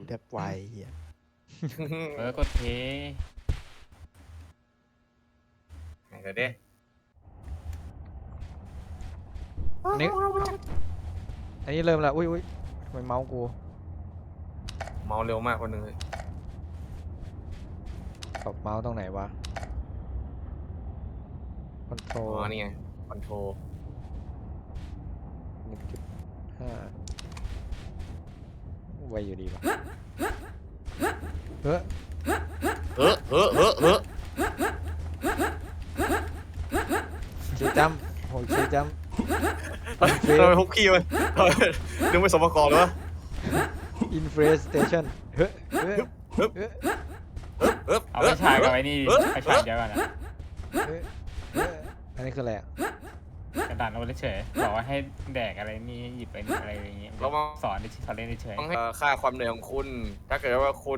แทบไวเฮียกดเทไหนเดี๋ยวดิอันนี้เริ่มแล้วอุ้ยทำไมเมาส์กูเมาเร็วมากคนหนึ่งเลยปรับเมาส์ตรงไหนวะคอนโทรอ๋อนี่ไงคอนโทร 1.5ไวอยู่ดีวะเฮ้ยเฮ้อคีย์จัมโหคีย์จัมทำไมพกขี้มันนึกไม่สมประกอบเลยวะอินเฟรสเตชันเฮ้ยเอาไปฉายกับไอ้นี่ไปฉายเดียวกันนะอันนี้คืออะไรอ่ะกระดานเอาไว้เฉยบอกว่าให้แดกอะไรนี่หยิบไปนี่อะไรอย่างเงี้ยสอนเล่นเฉยต้องให้ค่าความเหนื่อยของคุณ ถ้าเกิดว่าคุณ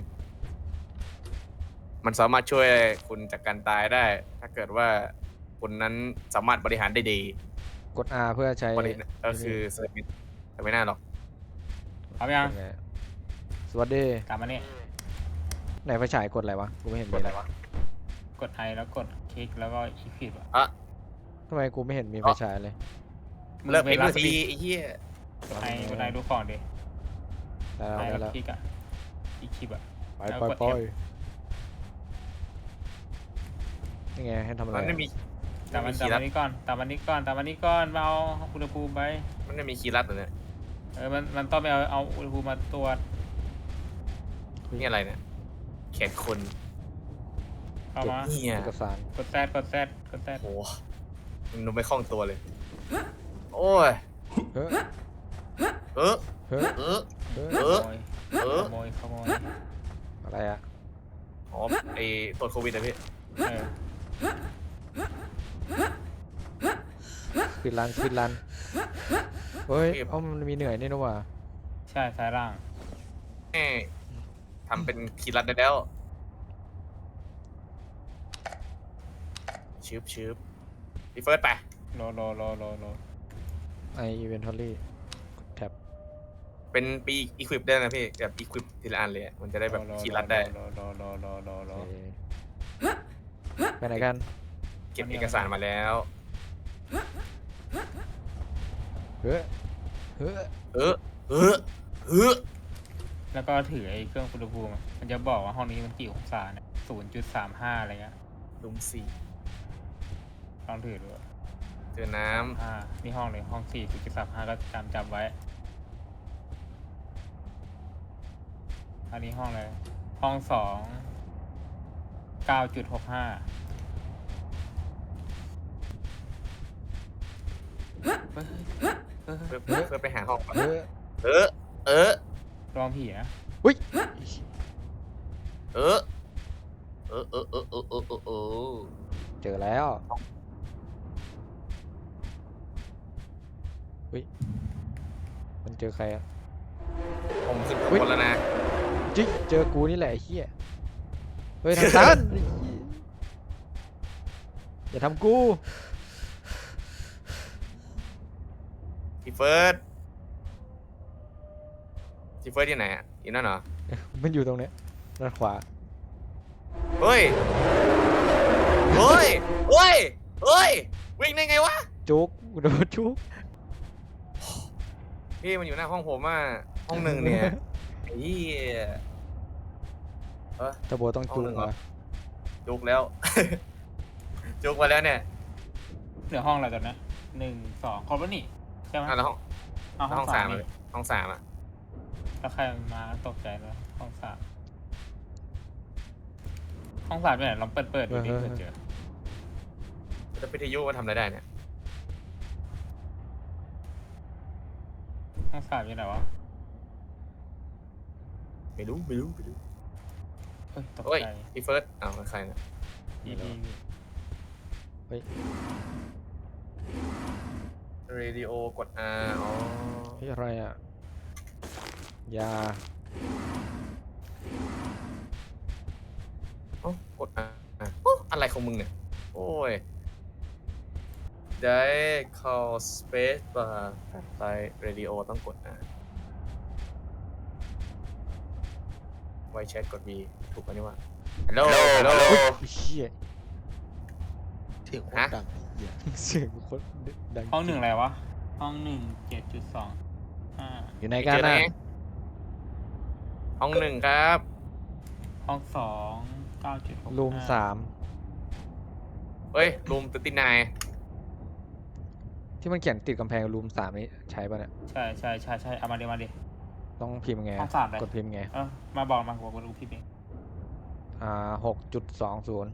มันสามารถช่วยคุณจากการตายได้ ถ้าเกิดว่าคุณนั้นสามารถบริหารได้ดีกด R เพื่อใช้บริหารก็คือเซอร์วิสแต่ไม่น่าหรอกเอายังสวัสดีกลับมาเนี่ยไหนไฟฉายกดอะไรวะกูไม่เห็นมีอะไรวะกดไอแล้วกดคลิกแล้วก็อีคลิปอ่ะทำไมกูไม่เห็นมีไฟฉายเลยเลิกเพลงสักทีไอ้เหี้ยกดไอดูของดิได้ไอแล้วแล้ได้แล้ววคลิกอ่ะอีคลิปอ่ะไปแล้วไปกดไป F นี่ไงให้ทำอะไรมันไม่มีตามวันคีย์ลัดนี้ก่อนมาเอาอุณหภูมิไปมันไม่มีคีย์ลัดเหรอเนี่ยมันต้องไปเอาอุณหภูมิมาตรวจนี่อะไรเนี่ยแขนคนเข้ามาเนี่ยเอกสารกดแซดโหมันดูไม่คล่องตัวเลย โอ้ยเฮ้ยเออเฮ้ยเออเฮ้ยเอขอโมยอะไรอ่ะอ๋อไอตรวจโควิดนะพี่เออปิดรันเฮ้ยเอ้ามันมีเหนื่อยนี่นะว่ะใช่ซ้ายล่างแม่ทำเป็นคีย์ลัดได้แล้วชืบพี่เฟิร์สไปโลไออีเวนทอรี่แท็บเป็นปีอีควิปได้นะพี่แบบอีควิปทีละอันเลยอะมันจะได้แบบคีย์ลัดได้โลไปไหนกันเก็บเอกสารมาแล้วเฮ้ยเฮ้ยเออแล้วก็ถือไอ้เครื่องอุณหภูมิมันจะบอกว่าห้องนี้มันกี่องศาเนี่ย0.35อะไรเงี้ยลุมสี่ลองถือดูเจอน้นี่ห้องเลยห้อง4.35ก็จำไว้ อันนี้ห้องเลยห้อง2 9.65 ำเพื่อไปหาห้องก่อนเฮ้ยเออลองผีนะอุ้ยเออเจอแล้วอุ้ยมันเจอใครอ่ะผมขึ้นข้างบนแล้วนะจิ๊กเจอกูนี่แหละไอ้เหี้ยเฮ้ยทางตันไอ้เหี้ยอย่าทำกูพี่เฟิร์สที่ไหนอ่ะอยู่นั่นเหรอมันอยู่ตรงเนี้ยด้านขวาเฮ้ยวิ่งได้ไงวะจุกโดนจุกพี่มันอยู่หน้าห้องผมอ่ะห้องหนึ่งเนี่ยไอ้เหี้ยตะโบต้องจุกเหรอจุกแล้ว จุกมาแล้วเนี่ยเหลือห้องอะไรกันนะ1 2ครบแล้วนี่ใช่ไหมแล้วเอาห้ห้ออง งสาสาม มนี่ห้องสามอ่ะแล้วใครมาตกใจแล้วห้อง3ห้อง3เป็นไหนลองเปิดดูดิเผื่อเจอแล้ววิทยุมันทำอะไรได้เนี่ยห้อง3เป็นไหนวะไม่รู้เฮ้ยตกเฮ้ยใจพี่เฟิร์สอ้าวใครเนี่ยอีเฮ้ยเรดิโอกด R อ๋อเฮ้ยอะไรอ่ะยาอ๋อกด R โอ้อะไรของมึงเนี่ย โอ้ย ได้เข้า space bar ไป radio ต้องกด R ไวแชทกด V ถูกกันนี่ว่าฮัลโหลฮัลโหลอุ้ยเชี่ยเสียงโคตรดังไอ้เหี้ยเสียงโคตรดังห้องหนึ่งอะไรวะ ห้องหนึ่ง7.2 อยู่ไหนกันเจอไหนะห้องหนึ่งครับห้องสอง9.6 รูม3 เฮ้ยรูม39 ที่มันเขียนติดกำแพงรูม3นี่ใช้ป่ะเนี่ยใช่เอามาดิมาดิต้องพิมพ์ไงห้องสามเลยกดพิมพ์ไงมาบอกกูรู้พี่เอง 6.20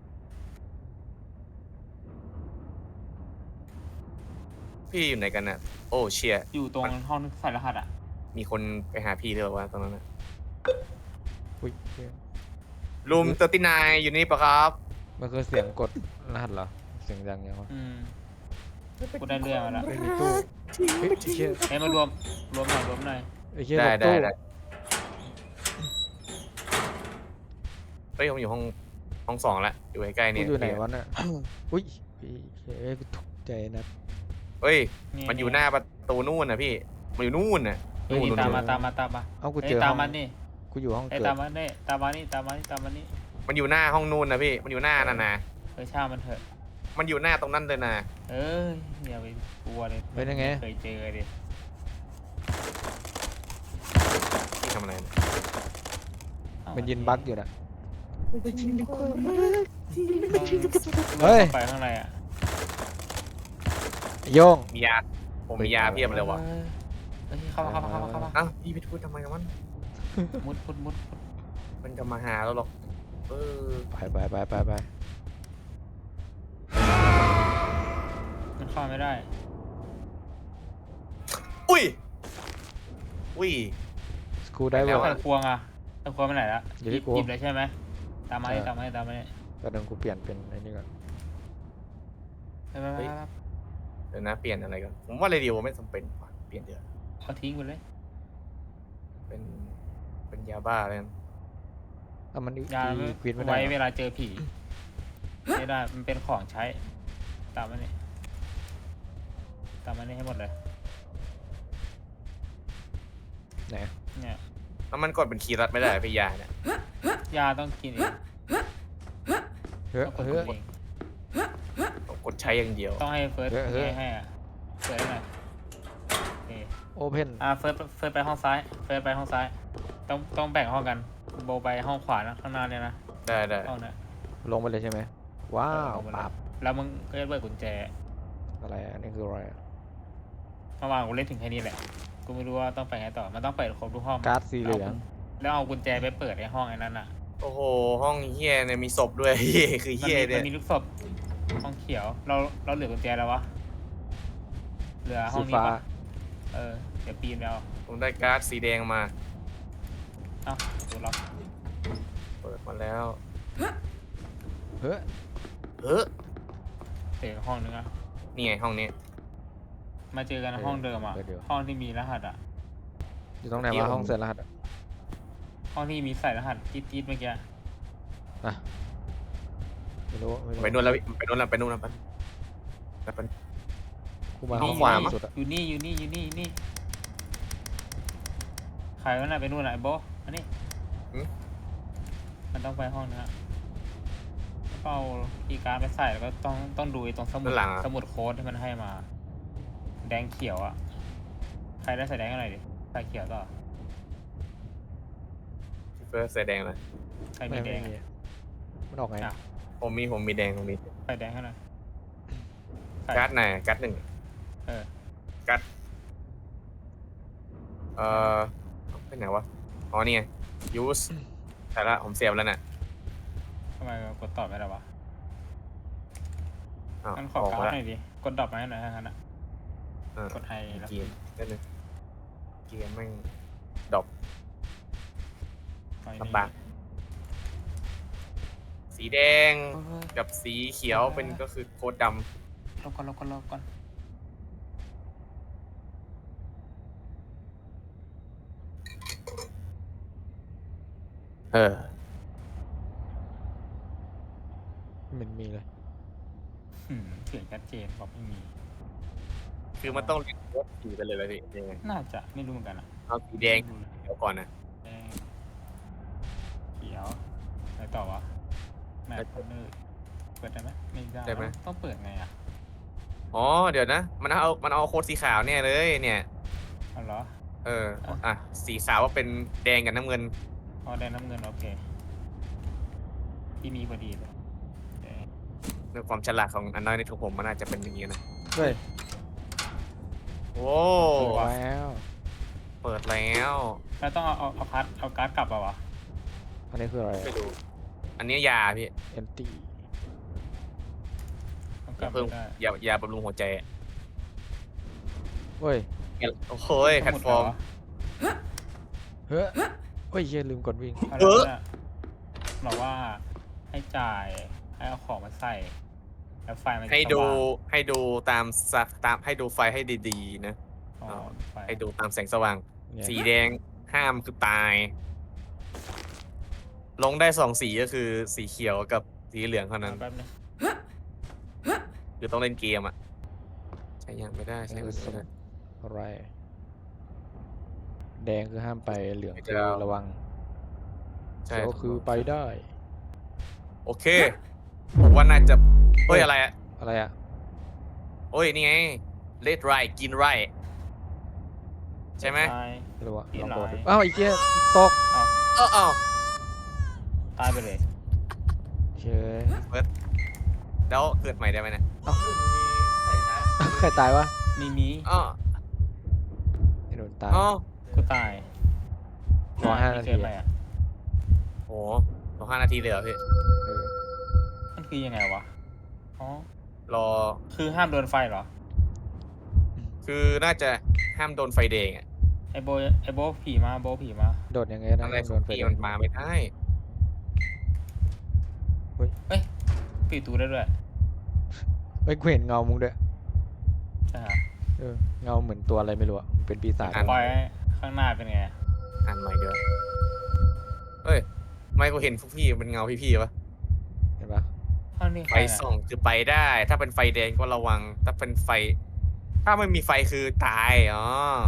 พี่อยู่ไหนกันน่ะโอ้เชียอยู่ตรงห้องใส่รหัสอ่ะมีคนไปหาพี่ด้วยวะตรงนั้นน่ะอุ้ยเชี่ยรูม39อยู่นี่ปะครับมันคือเสียงกดรหัสเหรอ เสียงดังยังวะกูได้เรื่องมาแล้วไม่มีตู้เฮ้ยเชี่ยเอ้ยมารวมหน่อยไอ้เชี่ยได้หลบได้ตู้ได้เฮ้ยผมอยู่ห้อง2ละอยู่ใกล้ๆกูเนี่ยอยู่ไหนวะน่ะ อุ้ยเฮ้ยตกใจนะเฮ้ยนี่มันอยู่หน้าประตูนู่นนะพี่มันอยู่นู่นน่ะเฮ้ยนู่นตามนู่มาน ตามมาเอ้ากูเอ้เจยอตาห้มองมันนี่กูอยู่ห้องเอ้ยเกิดตามมันนี่ตามมานี่มันอยู่หน้าห้องนู่นนะพี่มันอยู่หน้านั่นนะเฮ้ยช่างมันเถอะมันอยู่หน้าตรงนั้นเลยนะเอ้ยอย่าไปกลัวเลยเป็นยังไงเคยเจอดิพี่ทำอะไรนะมันยินบั๊กอยู่น่ะเฮ้เฮ้ยยไปข้างในอ่ะโยงมียาผมมียาเพียบเลยวะเฮ้ยเข้ามาอ้าวพี่ไปพูดทำไมกับมันมุดมันจะมาหาเราหรอกเออไปมันเข้าไม่ได้อุ้ยสกูได้แล้เววอไขร์ควงอ่ะไขควงไปไหนละอยู่ที่กูหยิบเลยใช่ไหมตามมานี่ใช่ตามมานี่กระดึงกูเปลี่ยนเป็นไอ้นี่ก่อนไปเดี๋ยวนะเปลี่ยนอะไรกันผมว่าเรดิโอไม่จำเป็นว่ะเปลี่ยนเดี๋ยวเอาทิ้งไปเลยเป็นยาบ้าเลยนะอ่ะมันยาควิดไม่ได้ไว้เหรเวอลาเจอผีไม่ได้มันเป็นของใช้ ตามมานี่ให้หมดเลยไหนเนี่ยแล้วมันกดเป็นคีย์รัดไม่ได้พี่ยาเนี่ยยาต้องกินเองเฮ้ยต้องกดเฮ้ยเองต้องกดใช้อย่างเดียวต้องให้เฟิร์สเฮ้ยให้อ่ะเฟิร์สหน่อยโอเคโอเพนเฟิร์สไปห้องซ้ายต้องแบ่งห้องกันโบไปห้องขวานะข้างหน้าเนี่ยนะได้ห้องเนี้ยลงไปเลยใช่ไหมว้าวเอาไปเลยปราบแล้วมึงก็จะเปิดกุญแจอะไรอันนี้คืออะไรอะเมื่อวานกูเล่นถึงแค่นี้แหละกูไม่รู้ว่าต้องไปไงต่อมันต้องเปิดครบทุกห้องการ์ดสีเหลืองแล้วเอากุญแจไปเปิดในห้องไอ้นั้นอ่ะโอ้โหห้องเฮียเนี่ยมีศพด้วย เฮียคือเฮียมัเนี่ยมีลูกศพห้องเขียวเราเหลือกุญแจแล้ววะเหลือห้สีองนี้ฟ้าปะเดี๋ยวปีนไปเอาผมได้การ์ดสีแดงมาเอ้าดูเราเปิดมาแล้วเฮ้ยเฮ้อเปิดห้องนึงอ่ะนี่ไงห้องนี้มาเจอกันในห้องเดิมอ่ะห้องที่มีรหัสอ่ะอยู่ตรงไหนวะห้องเสร็จรหัสอะห้องที่มีใส่รหัสจี๊ดเมื่อกี้อ่ะไม่รู้ไปนู่นแล้วพี่ไปนู่นแล้วไปนู่นแล้วไปกูมาห้ห้ออง งขวามั้สุดอะอยู่นี่ใครวะน่ะไปนู่นไหนโบอันนี้มันต้องไปห้องนะก็เอาคีย์การ์ดไปใส่แล้วก็ต้องดูไอ้ตรงสมุดโค้ดที่มันให้มา แดงเขียวอ่ะใครได้ใส่แดงกันหน่อยดิใส่เขียวต่อเฟิร์สใส่แดงเลยใครมีแดงมีมันออกไงอ่ะผมมีแดงผมมีใส่แดงให้หน่อยใส่การ์ดไหนการ์ดหนึ่งเออการ์ดไปไหนวะอ๋อนี่ไง use แต่ละผมเสียบแล้วน่ะทำไมกดตอบไม่ได้วะอ้าวงั้นขอออกการ์มาดแล้วหน่อยดิกดดรอปมาให้หน่อยงั้นอ่ะ กดไฮแล้วเกียร์ได้เลยเกียร์แม่งดรอป ลำบากสีแดงกับสีเขียวเป็นก็คือโค้ดดลบก่อนำเออมันมีเลยเสียงชัดเจนบอกไม่มีคือมันต้องเรียนโค้ดสีไปเลยไหมพี่ยังไงน่าจะไม่รู้เหมือนกันอ่ะเอาสีแดงเขียวก่อนนะแดงต่อวะแมปพาร์ทเนอร์เปิดได้ไหมไม่ได้ได้ไหมต้องเปิดไงอ่ะอ๋อเดี๋ยวนะมันเอาโค้ดสีขาวเนี่ยเลยเนี่ยเอาเหรอเอออ่ะสีขาวว่าเป็นแดงกับน้ำเงินอ๋อแดงน้ำเงินโอเคที่มีพอดีเลยโอเคในความฉลาดของอันน้อยในของผมมันน่าจะเป็นอย่างนี้นะเฮ้ยโอ้แล้วเปิดแล้วแล้วต้องเอาการ์ดกลับอ่ะวะอันนี้คืออะไรไม่รู้อันนี้ยาพี่เอนตี้ต้องกลับเพิ่มไม่ได้ยาบำรุงหัวใจเฮ้ยโอ้โหแพลตฟอร์มเฮ้ยเฮ้ยเหี้ยลืมกดวิ่งเอาแล้วเนี่ยบอกว่าให้จ่ายให้เอาของมาใส่แล้วไฟมันจะให้ดูสว่างให้ดูตามให้ดูไฟให้ดีๆนะอ๋อไฟให้ดูตามแสงสว่างเนี่ยสีแดงห้ามคือตาย ลงได้2 สีก็คือสีเขียวกับสีเหลืองเท่านั้นแป๊บนึงคือต้องเล่นเกมอ่ะ ใช้ยังไม่ได้ใช้ไม่ได้อะไร แดงคือห้ามไปเหลืองไม่คือจะเอาระวังใช่เขียวคือไปได้โอเคผมว่าน่าจะเฮ้ยอะไรอ่ะอะไรอ่ะโอ้ยนี่ไงเลดไรกินไรใช่ไหมไม่รู้อะกินลองกดหลายดูอ้าวไอ้เจี๊ยตกเอ้าตายไปเลยเชยแล้วเกิดใหม่ได้ไหมเนี่ยใครตายวะมีอ๋อไอ้โดนตายอ๋อกูตายรอ5 นาทีเกิดอะไรอ่ะโหรอ5 นาทีเลยเหรอพี่เออมันคือยังไงวะอ๋อรอคือห้ามโดนไฟเหรอคือน่าจะห้ามโดนไฟแดงอ่ะไอโบผีมาโบผีมาโดดยังไงนะอะไรขโดองนไฟพี่แดมังนมาไม่ได้ปิดตูได้ด้วยเฮ้ยกูเห็นเงามึงด้วยใช่ฮะเออเงาเหมือนตัวอะไรไม่รู้อะมันเป็นปีศาจปล่อยให้ข้างหน้าเป็นไงอ่านใหม่เดี๋ยวเฮ้ยไม่กูเห็นพวกพี่เป็นเงาพี่ๆปะเห็นปะข้างนี้ไฟส่องคือไปได้ ถ้าเป็นไฟแดงก็ระวัง ถ้าเป็นไฟ ถ้าไม่มีไฟคือตาย อ๋อ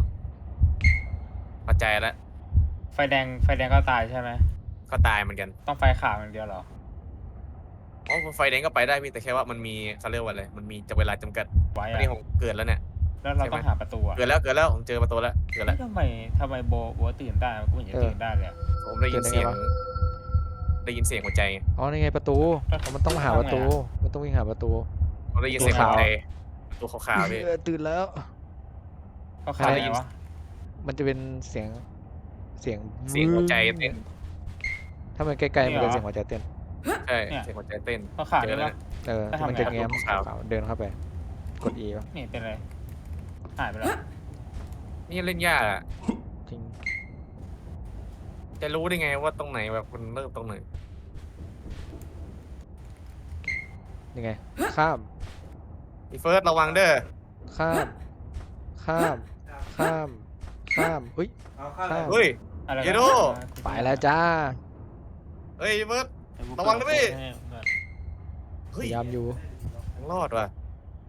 เข้าใจแล้วไฟแดงก็ตายใช่ไหมก็ตายเหมือนกันต้องไฟขาวอย่างเดียวเหรออ๋อไฟแดงก็ไปได้พี่ แต่แค่ว่ามันมีเขาเรียกว่าอะไร มันมีเวลาจำกัดไว้ตอนอะนี้ผมเกิดแล้วเนี่ยแล้วเราใช่ไหมต้องหาประตูอะเกิดแล้วผมเจอประตูแล้ว เกิดแล้วทำไมโบตื่นได้กูไม่เห็นจะตื่นได้เลยอะผมได้ยินเสียง ได้ยินเสียงหัวใจอ๋อนี่ไงประตูอ๋อมันต้องมาหาประตู มันต้องวิ่งหาประตูผมได้ยินเสียงหัวใจประตูขาวๆพี่เออตื่นแล้วเขาขายได้ไงยินวะมันจะเป็นเสียงเสียงหัวใจเต้นถ้ามันใกล้ๆมันเป็นเสียงหัวใจเต้นใช่ เสียงหัวใจเต้นเขาขายเจได้อแล้วปะเออแล้วทำไงมันจะแง้มขาวขาวๆเดินเข้าไป กด E ป่ะนี่เป็นไรหายไปแล้วนี่เล่นยากอะจริงจะรู้ได้ไงว่าตรงไหนแบบมันเริ่มตรงไหนยังไง ข้ามพี่เฟิร์สระวังเด้อข้าม ข้าม ข้าม ข้ามอุ้ย ข้ามเฮ้ยอะไรเยโดไปแล้วจ้าเฮ้ยพี่เฟิร์ส ระวังนะพี่พเฮ้ยยายามอยู่ยังรอดว่ะ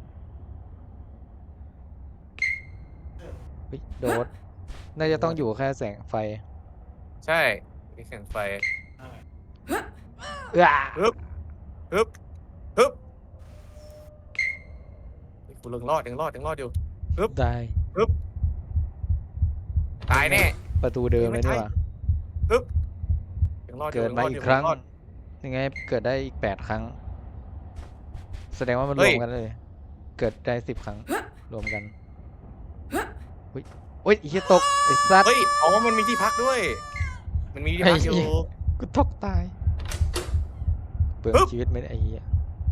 เฮ้ยโดด น่าจะต้องอยู่แค่แสงไฟใช่มีแสงไฟเอ้อฮึบฮึบฮึบเฮ้ยกูยังรอดอยู่ได้ตายแน่ประตูเดิมเลยนี่หว่าฮึบยังรอดอยู่เกิดมายังรอียู่กครั้งยังอดยังไง เกิดได้อีก8 ครั้ง แสดงว่ามันเฮ้รยวมกันเลย เกิดได้10 ครั้ง รวมกันอุ้ยโอ้ยไอ้เหี้ยตกไอ้สัตว์เฮ้ยอ๋อมันมีที่พักด้วย มันมีที่พักอยู่ไอ้เหี้ย กูตกตาย เปลืองปึ๊บชีวิตไม่ได้ไอ้เหี้ย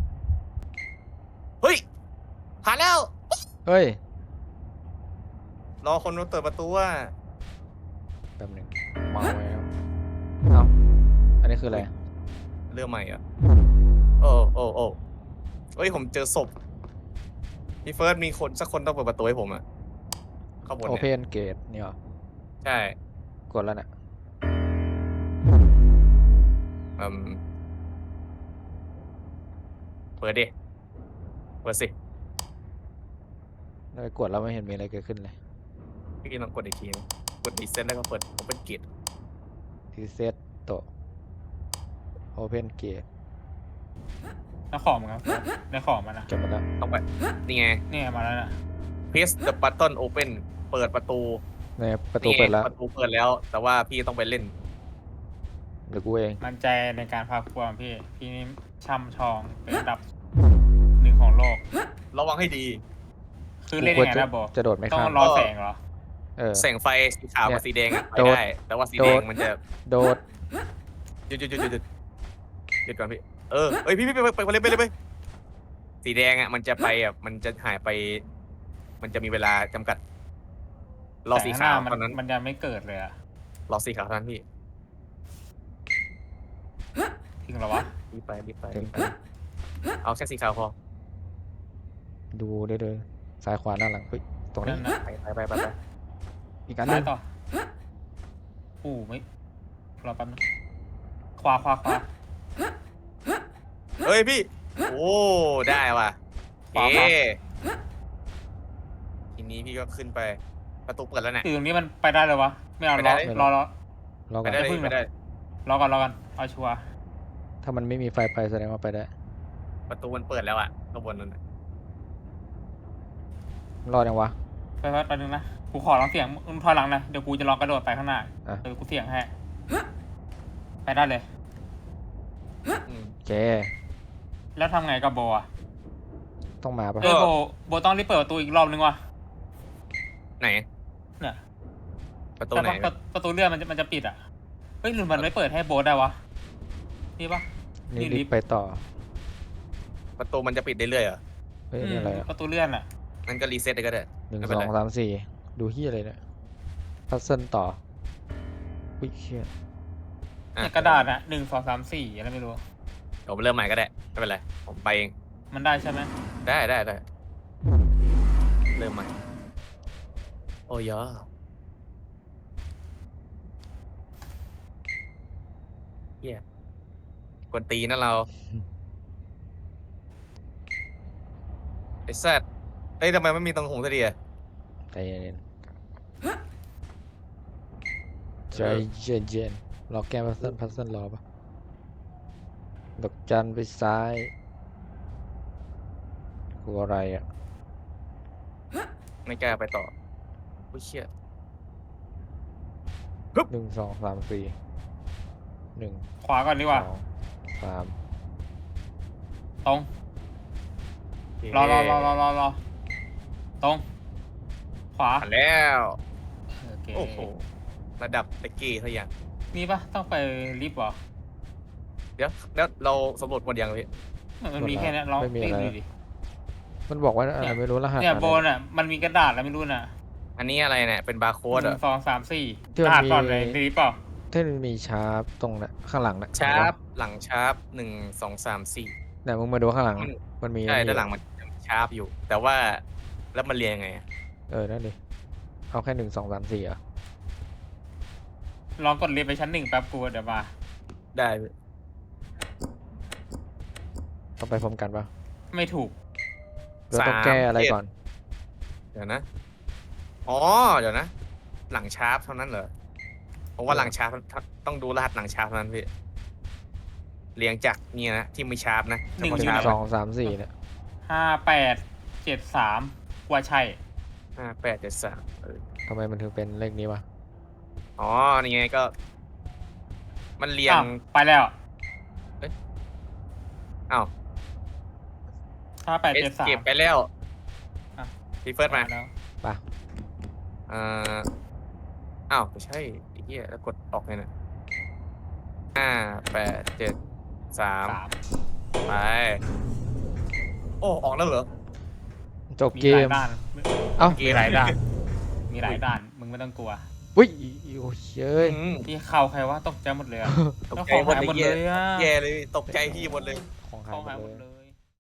เฮ้ยผ่านแล้วเฮ้ยรอคนมาเปิดประตูว่าแป๊บหนึงเมาแล้วเอ้าอันนี้คืออะไรเรื่องใหม่อ่ะโอ้เฮ้ยผมเจอศพพี่เฟิร์สมีคนสักคนต้องเปิดประตูให้ผมอ่ะข้างบนโอเพเนี่ยนเกตนี่หรอใช่กดแล้วเนี่ยอืมเปิดดิ เปิดสิแล้วไปกดแล้วไม่เห็นมีอะไรเกิดขึ้นเลยพี่ลองกดอีกทีนะกดรีเซ็ตแล้วก็เปิด Open Gate รีเซตโตะ open gate แล้วของมันครับได้ของมันนะจบหมดแล้วต้องไปนี่ไงนี่ไงมาแล้วนะ press the button open เปิดประตูในประตูนี่ไงเปิดแล้วประตูเปิดแล้ว แต่ว่าพี่ต้องไปเล่นเดี๋ยวกูเองมั่นใจในการพาครัวของพี่นี่ช่ำชองเป็นอันดับหนึ่งของโลกระวังให้ดีคือเล่นยังไงนะโบจะโดดไม่ต้อข้าง มรอแสงเหรอเออแสงไฟสีขาวเนี่กับยสีแดงอะไปโดดได้ แต่ว่าสีแดงโดดมันจะโดดหยุดหยุดก่อนพี่เอ้ยพี่ไปเลยไปสีแดงอ่ะมันจะไปอ่ะมันจะหายไป มันจะมีเวลาจำกัดรอสีขาวแต่ตอนนั้นมันยังไม่เกิดเลยอะรอสีขาวเท่านั้นพี่ถึงเหรอวะรีบไปถึงเอาแค่สีขาวพอดูได้เลยซ้ายขวาหน้าหลังเฮ้ยตรงนี้นั่นนะไปอีกอันหนึซ้ายงต่ออู้ไม่รอแป๊บนึงขวาเฮ้ยพี่โอ้ได้ว่ะขวาเอ๊ทีนี้พี่ก็ขึ้นไปประตูเปิดแล้วเนี่ยคือตรงนี้มันไปได้เลยวะไม่เอาไปรได้อเลยรอรอไปก่อนได้เลยไปได้รอก่อนเอาชัวร์ถ้ามันไม่มีไฟไปแสดงว่าไปได้ประตูมันเปิดแล้วอ่ะข้างบนนั่นน่ะรอดยังวะไปแป๊บนึงนะกูขอลองเสียงมึงถอยหลังนะเดี๋ยวกูจะลองกระโดดไปข้างหน้าอ่ะกูเสียงให้ไปได้เลยอืมโอเคแล้วทำไงกับโบอะต้องมาปะโบต้องรีบเปิดประตูอีกรอบนึงว่ะไหนเนี่ยประตูไหนแต่ประตูเลื่อนมันจะปิดอ่ะเฮ้ยหรือมันไม่เปิดให้โบได้วะนี่ปะนี่นี่ลิรีฟบต์ไปต่อประตูมันจะปิดได้เรื่อยเหรอเฮ้ยอันนี่อะไรอะประตูเลื่อนอ่ะงั้นก็รีเซ็ตเลยก็ได้หนึ่งไม่สเป็นอไรงสามสี่ดูเฮียอะไรเนี่ยพัซเซิลต่ออุ้ยเชี่ยอ่ะเนี่ยกระดาษอ่ะ1 2 3 4อะไรไม่รู้เดี๋ยวผมเริ่มใหม่ก็ได้ไม่เป็นไรผมไปเองมันได้ใช่ไหมได้เริ่มใหม่โอ้ยเฮียกวนตีนนะเราไอ้แซดเอ้ยทำไมไม่มีตรงหงสักทีอะใจเย็นใจเย็นรอแก้พัซเซิลรอปะดอกจันไปซ้ายกูอะไรอ่ะไม่กล้าไปต่ออุ้ยเชี่ยหนึ่งสองสามสี่หนึ่งขวาก่อนดีกสว่าองสามตรงรอตรงขวาผ่านแล้วโอเคโอ้โหระดับตะกี้เท่าอย่างนี่ปะต้องไปลิฟต์เหรอเดี๋ยวแล้วเราสำรวจหมดยังพี่มันมีแค่นี้ลองตีดูดิมันบอกว่าอะไรไม่รู้รหัสเนี่ยอะไรโบนอ่ะมันมีกระดาษแล้วไม่รู้น่ะอันนี้อะไรเนี่ยเป็นบาร์โค้ดหเหรนึ่อง 2 3 4 ที่รมันหัสมีก่อนเลยลิฟต์เปล่าที่มันมีชาร์ปตรงน่ะข้างหลังน่ะชาร์ปหลังชาร์ป1 2 3 4 เนี่ยมึงมาดูข้างหลังมันมีใช่อันนี้ด้านหลังมันชาร์ปอยู่ แต่ว่าแล้วมันเรียงยังไงอะนั่นดิเอาแค่หนึ่งสองสามสี่อ่ะลองกดลิฟต์ไปชั้น 1แป๊บกูเดี๋ยวมาได้พี่ต้องไปพร้อมกันปะไม่ถูกเราต้องแก้อะไรก่อนเดี๋ยวนะอ๋อเดี๋ยวนะ หลังชาร์ปเท่านั้นเหรอผมว่าหลังชาร์ปต้องดูรหัสหลังชาร์ปเท่านั้นพี่เรียงจากเนี่ยนะที่มีชาร์ปนะหนึ่งหเฉนึ่พาะงชาร์ปสองสามสี่เนี่ย 5873ว่าใช่ 5873 ทำไมมันถึงเป็นเลขนี้วะอ๋อนี่ไงก็ มันเรียงอ้าวไปแล้วอ้าวเอสเก็บ 5873 ไปแล้วอ่ะพี่เฟิร์สมาแล้วป่ะเอ่ออ้าวไม่ใช่ไอ้เหี้ยแล้วกดออกเลยนะ5 8 7 3 ไป โอ้ออกแล้วเหรอจบมีเกหลายมด้านเอ้ามีหลายด้านมีหลายด้านมึงไม่ต้องกลัวอุ้ยโอ้ยเย้ยพี่เข้าใครว่าตกใจหมดเลยอะตกแล้วใจของหมดหายหมดเลเลย ยอะแย่เลยตกใจพี่หมดเลยของขหายองหมหายดหมดเลเลย ย